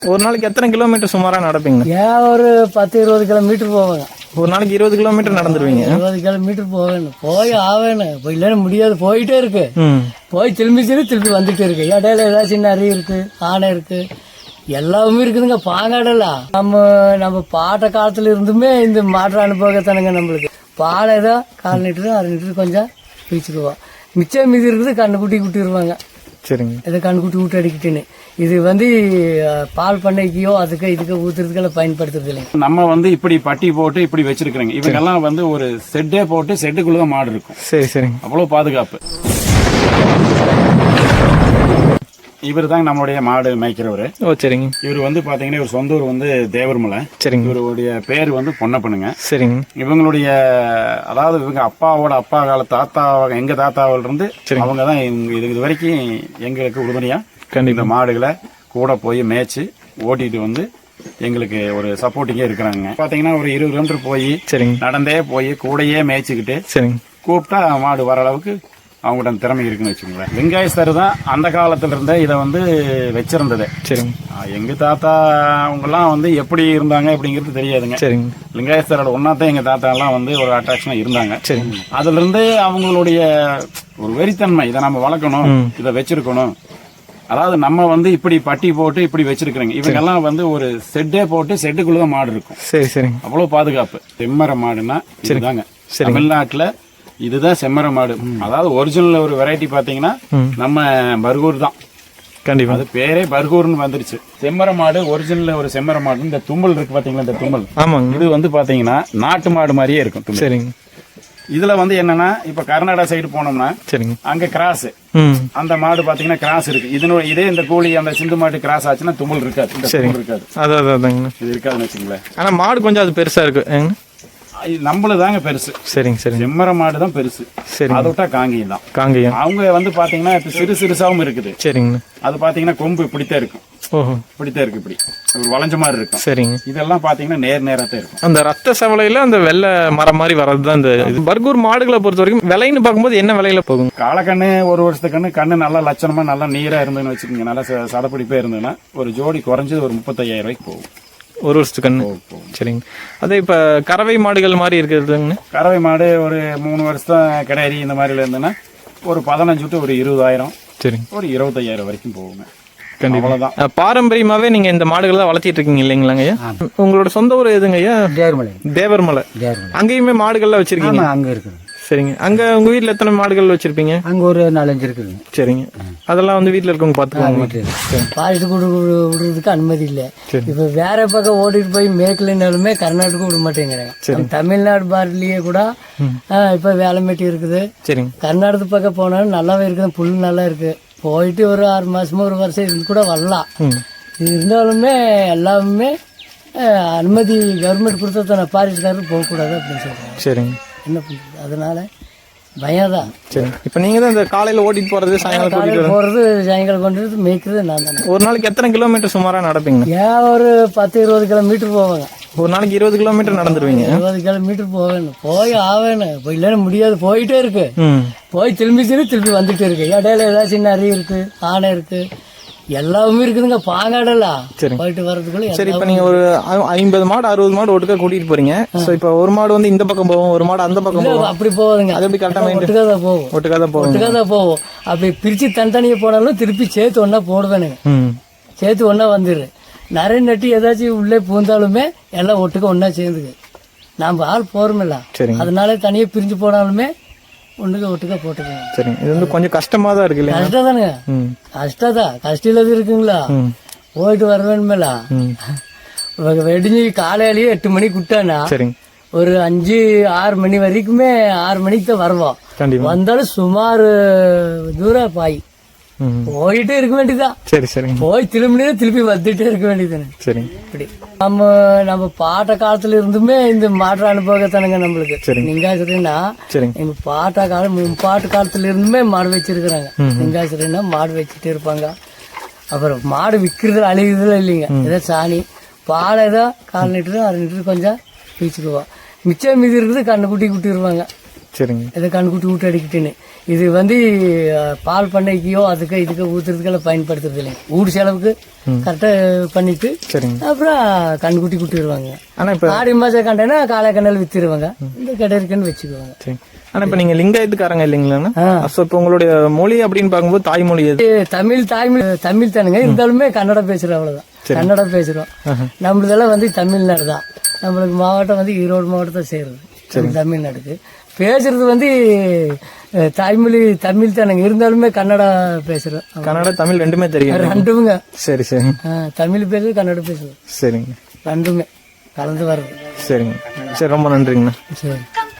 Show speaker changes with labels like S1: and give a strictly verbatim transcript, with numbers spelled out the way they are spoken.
S1: ஒரு நாளைக்கு எத்தனை கிலோமீட்டர் சுமாரா நடப்பீங்க?
S2: ஏன் ஒரு பத்து இருபது கிலோமீட்டர் போவேங்க.
S1: ஒரு நாளைக்கு இருபது கிலோமீட்டர் நடந்துருவீங்க?
S2: இருபது கிலோமீட்டர் போவேணும், போய் ஆவேணும். இப்போ இல்லைன்னு முடியாது, போயிட்டே இருக்கு. போய் திரும்பி திரும்பி திருப்பி வந்துட்டே இருக்கு. இடையில ஏதாச்சும் நிறைய இருக்கு, ஆனை இருக்கு, எல்லாமே இருக்குதுங்க. பாங்காடலாம் நம்ம நம்ம பாட்ட காலத்துல இருந்துமே இந்த மாற்ற அனுபவத்தானுங்க நம்மளுக்கு. பாலை ஏதோ கால் லிட்டரு அரை லிட்டரு கொஞ்சம் பிரிச்சுக்குவோம். மிச்சம் மீதி இருக்குது கண்ணு குட்டி குட்டிடுவாங்க.
S1: சரிங்க.
S2: இதை கண்ணு குட்டி விட்டு அடிக்கிட்டுன்னு இது வந்து பால் பண்ணைக்கையோ அதுக்கு இதுக்கு ஊத்துறதுக்கெல்லாம் பயன்படுத்துறது இல்லைங்க.
S3: நம்ம வந்து இப்படி பட்டி போட்டு இப்படி வச்சிருக்கிறோங்க. இவங்க எல்லாம் வந்து ஒரு செட்டே போட்டு செட்டுக்குள்ளதான் மாடு இருக்கும்.
S1: சரி சரிங்க.
S3: அவ்வளவு பாதுகாப்பு. இவர் தான் நம்மளுடைய மாடு மேய்க்கிறவரு.
S1: ஓ சரிங்க.
S3: இவர் வந்து பாத்தீங்கன்னா இவர் சொந்த ஊர் வந்து தேவர்மலை.
S1: சரிங்க.
S3: இவருடைய பேர் வந்து பொன்னப்பனுங்க.
S1: சரிங்க.
S3: இவங்களுடைய அதாவது இவங்க அப்பாவோட அப்பா கால தாத்தா எங்க தாத்தாவில இருந்து அவங்க தான் இது இது வரைக்கும் எங்களுக்கு உறுதுணையா இந்த மாடுகளை கூட போய் மேய்ச்சி ஓட்டிட்டு வந்து எங்களுக்கு ஒரு சப்போர்ட்டிங்கே இருக்கிறாங்க. பாத்தீங்கன்னா ஒரு இருபது கிலோமீட்டர் போய் நடந்தே போய் கூடையே மேய்ச்சிக்கிட்டு கூப்பிட்டா மாடு வர அளவுக்கு அவங்கள்ட்ட திறமை இருக்குன்னு வச்சுக்கோங்களேன். வெங்காயஸ்தர் தான் அந்த காலத்துல இருந்தே இதை வந்து வச்சிருந்தது. சரிங்க. எங்க தாத்தா அவங்கெல்லாம் வந்து எப்படி இருந்தாங்க அப்படிங்கிறது தெரியாதுங்க. சரிங்க. லிங்காயஸ்தரோட ஒன்னாத்தான் எங்க தாத்தா எல்லாம் வந்து ஒரு அட்ராக்ஷனா இருந்தாங்க. சரிங்க. அதுல இருந்து அவங்களுடைய ஒரு வெறித்தன்மை, இதை நம்ம வளர்க்கணும், இதை வச்சிருக்கணும். அதாவது நம்ம வந்து இப்படி பட்டி போட்டு இப்படி வச்சிருக்கிறோங்க. இவங்க எல்லாம் வந்து ஒரு செட்டே போட்டு செட்டுக்குள்ளதான் மாடு இருக்கும். சரி சரி. அவ்வளவு பாதுகாப்பு. செம்மர மாடுன்னா இதுதாங்க தமிழ்நாட்டுல. இதுதான் செம்மர மாடு. அதாவது ஒரிஜினல் ஒரு வெரைட்டி பாத்தீங்கன்னா நம்ம பர்கூர் தான். கண்டிப்பா அது பேரே பர்கூர்னு வந்துருச்சு. செம்மர மாடு ஒரிஜினல் ஒரு செம்மர மாடு. இந்த தும்பல் இருக்கு பாத்தீங்களா, இந்த தும்பல். ஆமாங்க. இது வந்து பாத்தீங்கன்னா நாட்டு மாடு மாதிரியே இருக்கும். சரிங்க. இதுல வந்து என்னன்னா இப்ப கர்நாடகா சைடு போனோம்னா சரிங்க அங்க கிராஸ் அந்த மாடு பாத்தீங்கன்னா கிராஸ் இருக்கு. இதனோட இதே இந்த கூலி அந்த சிந்து மாடு கிராஸ் ஆச்சுன்னா தும்பல் இருக்காது. இருக்காது. அதான் இது இருக்காதுன்னு வச்சுங்களேன். ஆனா மாடு கொஞ்சம் அது பெருசா இருக்கு. நம்மளதாங்க பெருசு. சரிங்க சரி. செம்மர மாடு தான் பெருசு. சரி. அதை விட்டா காங்கேயம் தான். காங்கேயம் அவங்க வந்து பாத்தீங்கன்னா சிறு சிறுசாவும் இருக்குது. சரிங்க. அது பாத்தீங்கன்னா கொம்பு இப்படித்தான் இருக்கும். ஓஹோ. இப்படித்தான் இருக்கு, இப்படி ஒரு வளைஞ்ச மாதிரி இருக்கும். சரிங்க. இதெல்லாம் பாத்தீங்கன்னா நேர் நேரத்தான் இருக்கும். அந்த ரத்த சவலையில அந்த வெள்ளை மரம் மாதிரி வர்றதுதான் இந்த பர்கூர் மாடுகளை பொறுத்த வரைக்கும். விலைன்னு பார்க்கும்போது என்ன விலையில போகும்? காலக்கண்ணு ஒரு வருஷத்துக்கு கண்ணு கண்ணு நல்லா லட்சணமா நல்லா நீரா இருந்ததுன்னு வச்சுக்கோங்க, நல்லா சடப்பிடிப்பே இருந்ததுன்னா ஒரு ஜோடி குறைஞ்சது ஒரு முப்பத்தையாயிரம் ரூபாய்க்கு போகும் ஒரு வருஷத்துக்கு கண்ணு. சரிங்க. அதே இப்ப கறவை மாடுகள் மாதிரி இருக்கிறதுங்க. கறவை மாடு ஒரு மூணு வருஷம் கிடையாது இந்த மாதிரில இருந்ததுன்னா ஒரு பதினஞ்சு டு ஒரு இருபதாயிரம். சரிங்க. ஒரு இருபத்தையாயிரம் வரைக்கும் போகுங்க. அவ்வளவுதான். பாரம்பரியமாவே நீங்க இந்த மாடுகளை தான் வளர்த்திட்டு இருக்கீங்க இல்லைங்களாங்க ஐயா? உங்களோட சொந்த ஊர் எதுங்க ஐயா? தேவர்மலை. தேவர்மலை. அங்கேயுமே மாடுகள்லாம் வச்சிருக்கீங்க? அங்க இருக்கு. சரிங்க. அங்க உங்க வீட்டுல எத்தனை மாடுகள் வச்சிருப்பீங்க? அங்க ஒரு நாலஞ்சு இருக்குங்க. சரிங்க. அதெல்லாம் வந்து வீட்டுல இருக்கவங்க பாத்துக்குவாங்க. பாலிட்டு விடுறதுக்கு அனுமதி இல்ல. இப்ப வேற பக்கம் ஓடிட்டு போய் மேற்கலினாலுமே கர்நாடகா விட மாட்டேங்கிறாங்க. தமிழ்நாடு பார்டர்லயே கூட இப்ப வேலைமேட்டி இருக்குது. சரிங்க. கர்நாடக பக்கம் போனாலும் நல்லாவே இருக்குது, புல் நல்லா இருக்கு. போயிட்டு ஒரு ஆறு மாசமா ஒரு வருஷம் இருந்து கூட வரலாம். இருந்தாலுமே எல்லாமே அனுமதி கவர்மெண்ட் கொடுத்தா பாரிஸ்காரர் போகக்கூடாது அப்படின்னு சொல்றாங்க. சரிங்க. என்ன பண்றது, அதனால பயம்தான். சரி. இப்ப நீங்க தான் இந்த காலையில ஓட்டிட்டு போறது, சாயங்காலம் போறது, சாயங்காலம் கொண்டு மேய்க்கிறது நான் தானே. ஒரு நாளைக்கு எத்தனை கிலோமீட்டர் சுமாரா நடப்பீங்க? ஏன் ஒரு பத்து இருபது கிலோமீட்டர் போவாங்க. ஒரு நாளைக்கு இருபது கிலோமீட்டர் நடந்துருவீங்க? இருபது கிலோமீட்டர் போவேணும், போய் ஆவேணும். இப்போ இல்லைன்னு முடியாது, போயிட்டே இருக்கு. போய் திரும்பி திரும்பி திருப்பி வந்துட்டே இருக்கு. இடையில ஏதாச்சும் நிறைய இருக்கு, ஆனை இருக்கு, எல்லாமே இருக்குதுங்க. பாங்காடலாம் போயிட்டு வர்றதுக்குள்ள. சரி. இப்ப நீங்க ஒரு ஐம்பது மாடு அறுபது மாடு ஒட்டுக்கா கூட்டிட்டு போறீங்க. இப்ப ஒரு மாடு வந்து இந்த பக்கம் போவோம், ஒரு மாடு அந்த பக்கம் போவோம். அப்படி போகுதுங்க. அது எப்படி கரெக்டா? ஒட்டுக்காதான் போவோம். ஒட்டுக்காதான் போவோம். ஒட்டுக்காதான் போவோம். அப்படி பிரிச்சு தனித்தனியா போனாலும் திருப்பி சேர்த்து ஒன்னா போடுவேனுங்க. சேர்த்து ஒன்னா வந்துடு. நிறைய நட்டி ஏதாச்சும் உள்ளே பூந்தாலுமே எல்லாம் ஒட்டுக்க ஒன்னா சேர்ந்துக்கு. நாம ஆள் போறோமில்ல, அதனால தனியா பிரிஞ்சு போனாலுமே ஒண்ணுக்கு ஒட்டுக்கா போட்டுக்கோங்க. சரி. இது வந்து கொஞ்சம் கஷ்டமா தான் இருக்கு இல்லையா? கஷ்டம் தானுங்க. கஷ்டதான். கஷ்டம் இல்லாத இருக்குங்களா? போயிட்டு வர வேணுமில்ல. வெடிஞ்சு காலையிலயே எட்டு மணிக்கு விட்டானா ஒரு அஞ்சு ஆறு மணி வரைக்குமே, ஆறு மணிக்கு தான் வருவோம். வந்தாலும் சுமார் தூரம் பாய் போயிட்டே இருக்க வேண்டியதான். சரி சரி. போய் திரும்பி திருப்பி வந்துட்டே இருக்க வேண்டியதுன்னு. சரி. இப்படி நம்ம நம்ம பாட்ட காலத்துல இருந்துமே இந்த மாற்ற அனுபவத்தானுங்க நம்மளுக்கு. நீங்காசுரன்னா எங்க பாட்ட காலம் பாட்டு காலத்துல இருந்துமே மாடு வச்சிருக்கிறாங்க. நீங்காசுரன்னா மாடு வச்சுட்டே இருப்பாங்க. அப்புறம் மாடு விற்கிறதுல அழிகிறதுல இல்லைங்க. ஏதோ சாணி பால் ஏதோ கால் லிட்டரு அரை லிட்டரு கொஞ்சம் பீச்சுக்குவோம். மிச்சம் மீதி இருக்குது கண்ணு குட்டி குட்டிடுவாங்க.
S1: சரிங்க
S2: இதை கண்குட்டி ஊட்டு அடிக்கிட்டுன்னு இது வந்து அஹ், பால் பண்ணைக்கோ அதுக்கு இதுக்கு ஊத்துறதுக்கெல்லாம் பயன்படுத்துறது இல்லைங்க. ஊடு செலவுக்கு கரெக்டா பண்ணிட்டு
S1: சரிங்க.
S2: அப்புறம் கண்குட்டி குட்டிடுவாங்க.
S1: ஆனா இப்ப
S2: ஆடி மாசம் கண்டனா காலை கண்ணல் வித்துருவாங்க. இந்த கடை இருக்குன்னு வச்சுக்குவாங்க.
S1: சரி. ஆனா இப்ப நீங்க லிங்காயத்துக்காரங்க இல்லைங்களாண்ணா?
S2: ஆ.
S1: அப்ப இப்ப உங்களுடைய மொழி அப்படின்னு பார்க்கும்போது தாய்மொழி எது?
S2: இது தமிழ் தாய்மொழி தமிழ் தானுங்க, இருந்தாலுமே கன்னடம் பேசுறோம், அவ்வளவுதான். கன்னடம் பேசுறோம். நம்மளதெல்லாம் வந்து தமிழ்நாடு தான். நம்மளுக்கு மாவட்டம் வந்து ஈரோடு மாவட்டத்தை சேருது தமிழ்நாடுக்கு. பேசுறது வந்து அஹ், தாய்மொழி தமிழ் தானுங்க, இருந்தாலுமே கன்னடா பேசுறோம்.
S1: கன்னடா தமிழ் ரெண்டுமே தெரியும்.
S2: ரெண்டுமுங்க.
S1: சரி சரி
S2: ஆ, தமிழ் பேசுறது கன்னடம் பேசுறது
S1: சரிங்க
S2: ரெண்டுமே கலந்து வருது.
S1: சரிங்க. சரி ரொம்ப நன்றிங்கண்ணா.
S2: சரி.